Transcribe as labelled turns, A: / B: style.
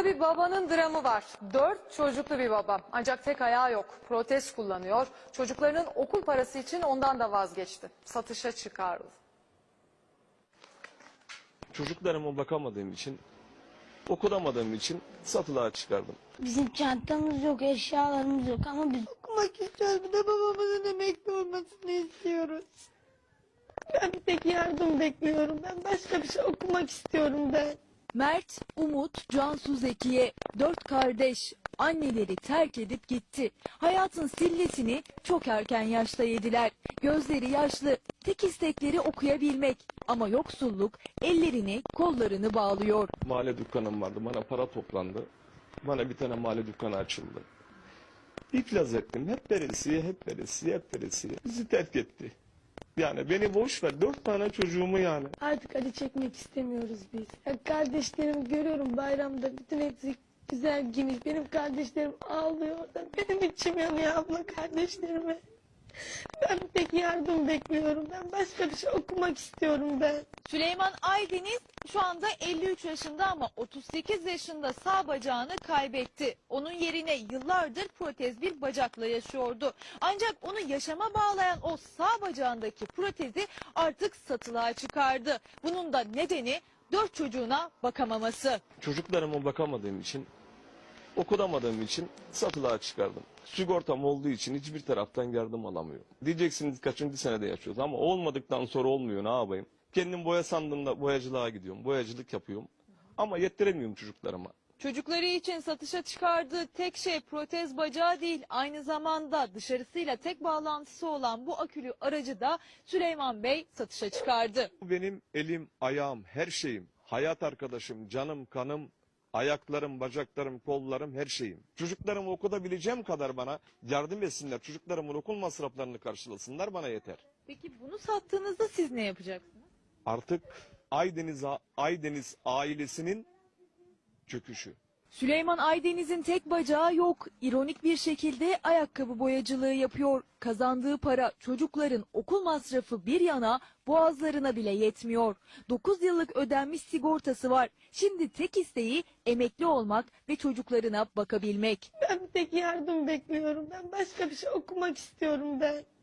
A: bir babanın dramı var. 4 çocuklu bir baba. Ancak tek ayağı yok. Protez kullanıyor. Çocuklarının okul parası için ondan da vazgeçti. Satışa çıkardı.
B: Çocuklarıma bakamadığım için, okutamadığım için satılığa çıkardım.
C: Bizim çantamız yok, eşyalarımız yok ama biz okumak istiyoruz. Bir de babamızın emekli olmasını istiyoruz. Ben bir tek yardım bekliyorum. Ben başka bir şey okumak istiyorum ben.
D: Mert, Umut, Cansu Zekiye, 4 kardeş. Anneleri terk edip gitti. Hayatın sillesini çok erken yaşta yediler. Gözleri yaşlı, tek istekleri okuyabilmek. Ama yoksulluk ellerini, kollarını bağlıyor.
B: Mahalle dükkanım vardı, bana para toplandı. Bana bir tane mahalle dükkanı açıldı. İflas ettim, hep veresiye, hep veresiye, hep veresiye. Bizi terk etti. Yani beni boş ver, 4 tane çocuğumu yani.
C: Artık acı çekmek istemiyoruz biz. Ya kardeşlerimi görüyorum bayramda bütün hepsi güzel giymiş. Benim kardeşlerim ağlıyor orada. Benim içim yanıyor abla kardeşlerime. Ben bir tek yardım bekliyorum. Ben başka bir şey okumak istiyorum ben.
E: Süleyman Aydeniz şu anda 53 yaşında ama 38 yaşında sağ bacağını kaybetti. Onun yerine yıllardır protez bir bacakla yaşıyordu. Ancak onu yaşama bağlayan o sağ bacağındaki protezi artık satılığa çıkardı. Bunun da nedeni 4 çocuğuna bakamaması.
B: Çocuklarıma bakamadığım için, okutamadığım için satılığa çıkardım. Sigortam olduğu için hiçbir taraftan yardım alamıyorum. Diyeceksiniz kaçıncı senede yaşıyoruz ama olmadıktan sonra olmuyor, ne yapayım? Kendim boya sandığımda boyacılığa gidiyorum, boyacılık yapıyorum ama yettiremiyorum çocuklarıma.
E: Çocukları için satışa çıkardığı tek şey protez bacağı değil, aynı zamanda dışarısıyla tek bağlantısı olan bu akülü aracı da Süleyman Bey satışa çıkardı.
B: Bu benim elim, ayağım, her şeyim. Hayat arkadaşım, canım, kanım, ayaklarım, bacaklarım, kollarım, her şeyim. Çocuklarımı okutabileceğim kadar bana yardım etsinler. Çocuklarımın okul masraflarını karşılasınlar, bana yeter.
E: Peki bunu sattığınızda siz ne yapacaksınız?
B: Artık Aydeniz ailesinin çöküşü.
D: Süleyman Aydeniz'in tek bacağı yok. İronik bir şekilde ayakkabı boyacılığı yapıyor. Kazandığı para çocukların okul masrafı bir yana boğazlarına bile yetmiyor. 9 yıllık ödenmiş sigortası var. Şimdi tek isteği emekli olmak ve çocuklarına bakabilmek.
C: Ben bir tek yardım bekliyorum. Ben başka bir şey okumak istiyorum ben.